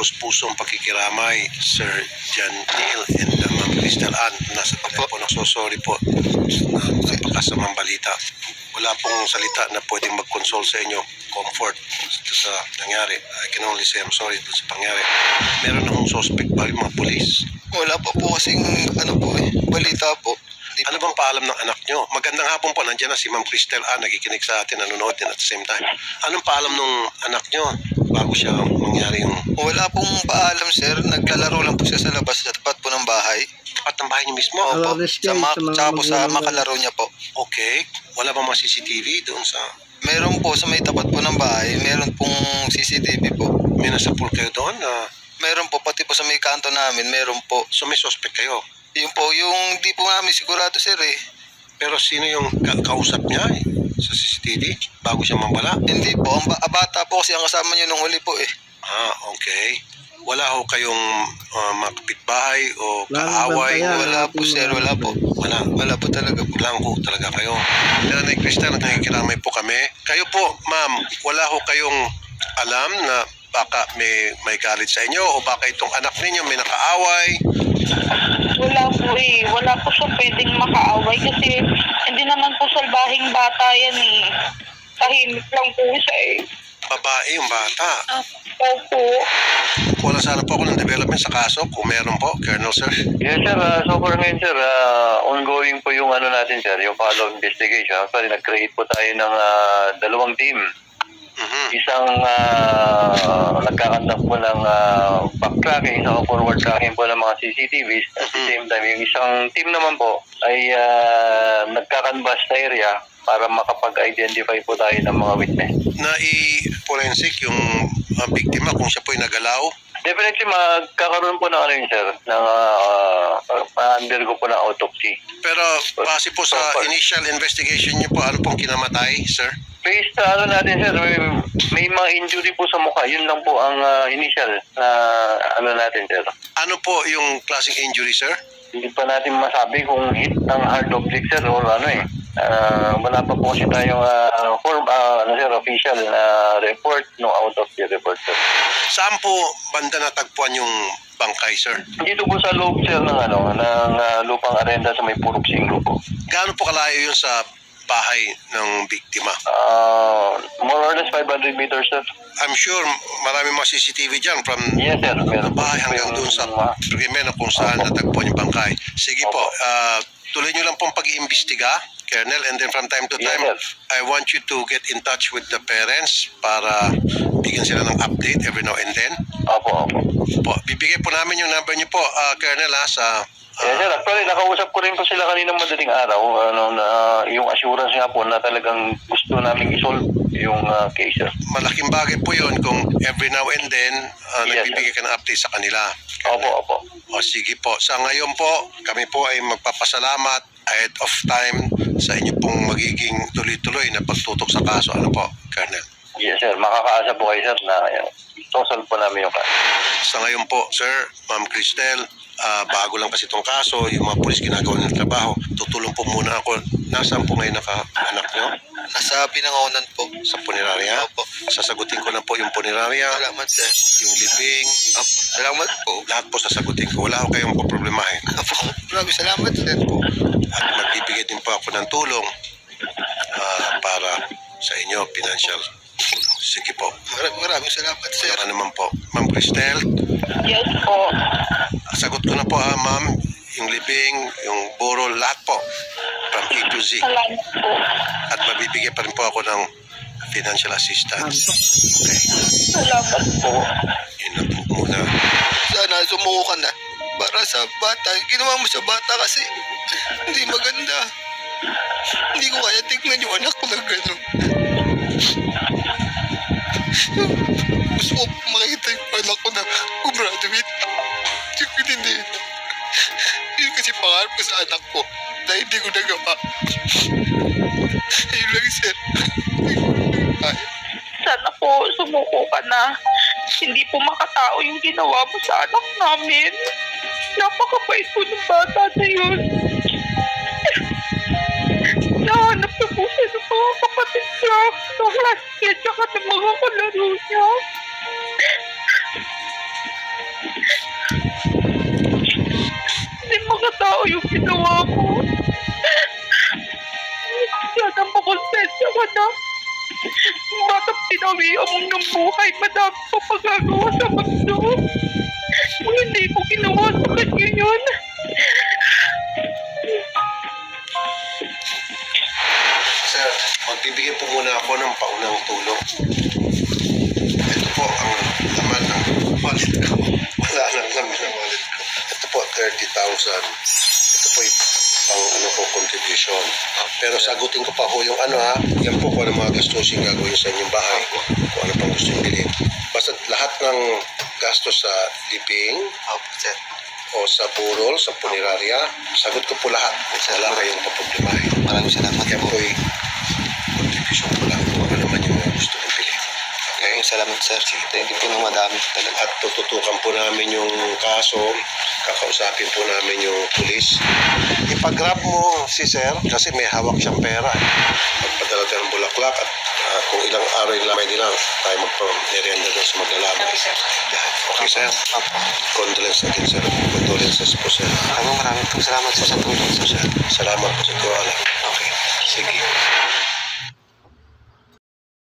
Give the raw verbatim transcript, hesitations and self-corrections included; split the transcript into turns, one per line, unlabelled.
taus-pusong pakikiramay, Sir John Neil and uh, Ma'am Crystal Ann. Nasa telepono, so sorry po na napakasamang balita. Wala pong salita na pwedeng mag-console sa inyo, comfort sa nangyari. I can only say I'm sorry dun sa pangyari. Meron akong suspect ba yung mga polis?
Wala pa po kasing ano po eh, balita po. Di
Ano bang paalam ng anak nyo? Magandang hapon po, nandiyan na si Ma'am Crystal Ann, nakikinig sa atin, nanonood din at the same time. Anong paalam ng anak nyo bago siya mangyari yung...
Wala pong paalam sir, naglalaro lang po siya sa labas sa tapat po ng bahay.
Tapat ng bahay niyo mismo?
Opo,
Awareness
sa,
kayo
ma-
sa mga
tsaka po sa
magulang
makalaro niya po.
Okay. Wala bang mga C C T V doon sa...
Meron po sa may tapat po ng bahay, meron pong C C T V po.
May nasa pool kayo doon? na
Meron po, pati po sa may kanto namin, meron po.
So may suspect kayo?
Yun po, yung di po namin sigurado sir eh.
Pero sino yung ka- kausap niya eh, sa C C T V bago siya mambala?
Hindi po, ang ba- ah, bata po kasi ang kasama niyo nung huli po eh.
Ah, okay. Wala ho kayong uh, mga kapitbahay o
Wala
kaaway?
bang
Wala po sir, wala po.
Wala.
Wala po talaga po.
Lang ho talaga kayo. Nanay Crystal, nakikiramay po kami. Kayo po, ma'am, wala ho kayong alam na baka may, may galit sa inyo o baka itong anak ninyo may nakaaway?
Wala po eh. Wala po siya pwedeng makaaway kasi hindi naman po salbahing bata yan eh. Tahimik lang po siya eh.
Babae yung bata.
Opo.
Wala sana po ako ng development sa kaso kung meron po, Colonel Sir.
Yes sir, uh, so for ngayon sir, uh, ongoing po yung ano natin sir, yung follow investigation. Actually, nag-create po tayo ng uh, dalawang team.
Mhm.
Isang uh, nagkakandak po ng uh, backtracking, isang forward tracking po ng mga C C T Vs. At the same time, yung isang team naman po ay uh, nagkakanvas sa area para makapag-identify po tayo ng mga witness.
Na i-forensic yung uh, biktima kung siya po ay nagalaw.
Definitely magkakaroon po ng ano yun sir, ng uh, ma-undergo po ng autopsy.
Pero base po sa initial investigation niyo po, ano pong kinamatay, sir?
Based sa ano natin sir, may, may mga injury po sa mukha. Yun lang po ang uh, initial na ano natin sir.
Ano po yung klaseng injury, sir?
Hindi pa natin masabi kung hit ng hard object sir or ano eh. Uh, wala pa po kasi tayong uh, form, uh, ano sir, official na report no autopsy report sir.
Saan po banda natagpuan yung bangkay, sir?
Dito po sa loob sir ng ano ng uh, lupang arenda sa may Purok Singgo po.
Gaano po kalayo yun sa bahay ng biktima?
Uh, more or less five hundred meters sir.
I'm sure marami mga C C T V dyan from
Yes sir, meron po.
bahay hanggang doon sa
Mga-
krimen kung saan natagpuan yung bangkay. Sige po, ah, tuloy nyo lang pong pag-iimbestiga, Colonel, and then from time to
Yes,
time,
sir.
I want you to get in touch with the parents para bigyan sila ng update every now and then.
Opo, opo.
Po, bibigay po namin yung number niyo po, ah, Colonel, ha, sa... ah,
Yes, sir. Actually, nakausap ko rin po sila kanina madaling araw. Ano, na, yung assurance nga po na talagang gusto namin isolve yung uh, case, sir.
malaking bagay po yun kung every now and then ah,
Yes,
nagbibigay ka ng update sa kanila.
Opo, opo.
O sige po, sa ngayon po, kami po ay magpapasalamat ahead of time sa inyo pong magiging tuloy-tuloy na pagtutok sa kaso. Ano po, Colonel?
Yes, sir. Makakaasa po kayo, sir, na uh, isosolve po namin yung kaso.
Sa ngayon po, Sir, Ma'am Cristel, ah, bago lang kasi itong kaso, yung mga pulis ginagawa ng trabaho, tutulong po muna ako. Nasaan po ngayon naka-anak nyo?
Nasa pinangonan po.
Sa punerarya?
Opo.
Sasagutin ko na po yung punerarya,
Salamat sir.
yung living,
Opo. Salamat po.
lahat po sasagutin ko. Wala ko kayong poproblemahin.
Opo. Maraming salamat sir po.
At magbibigay din po ako ng tulong ah, para sa inyo, financial tulong. Sige po.
Maraming, maraming salamat sir.
Ano naman po. Ma'am Cristel,
Yes po.
sagot ko na po ha, ma'am. Yung living, yung burol, lahat po. From A to Z.
Salamat po.
At magbibigay pa rin po ako ng financial assistance. Okay.
Salamat po.
Yun na po muna.
Sana sumuko ka na. Para sa bata. Ginawa mo sa bata kasi hindi maganda. Hindi ko kaya tignan yung anak ko na gano'n. Gusto ko makita yung anak ko na graduate. Hindi. Yun kasi pangarap ko sa anak ko na hindi ko nagawa. Ayun lang sir. Ay.
Sana po sumuko ka na. Hindi po makatao yung ginawa mo sa anak namin. Napakabait po ng bata na yun. Nahanap na po siya ng mga kapatid niya, ng classmate, tsaka ng mga kalaro niya. Sana makonsensya ka na. Batang pinawian mo ng buhay, madami pa pagagawa sa mundo. Kung hindi ko ginawa sa kanya yun.
Sir, magbibigay po muna ako ng paunang tulong. Ito po ang laman ng wallet ko. Wala nang laman ng wallet ko. Ito po, thirty thousand. Ito po yung pang ano po, contribution. Pero sagutin ko pa po yung ano ha, yan po kung ano mga gastusin gagawin sa inyong bahay. Kung ano pang gusto yung bilhin. Basta lahat ng gastos sa living,
Opo, sir.
o sa burol, sa punerarya, sagot ko po lahat. Wala kayong paproblemahin.
Maraming salamat
Yan
po.
po ay contribution ko lang kung ano naman yung mga gusto kong bilhin. Okay?
Maraming salamat, sir. Sige, thank you po ng madami talaga.
At tututukan po namin yung kaso, kakausapin po namin yung pulis. Ipag-grab mo si sir kasi may hawak siyang pera. Magpadala tayo ng bulaklak at ah, kung ilang araw yung lamay nila, tayo magpa-merienda doon sa maglalabay. Yan. Okay, sir? Condolence again, sir. Condolences po, sir.
Maraming maraming po salamat, sir, sa tulong, sir.
Salamat po sa tiwala.
Okay.
Sige.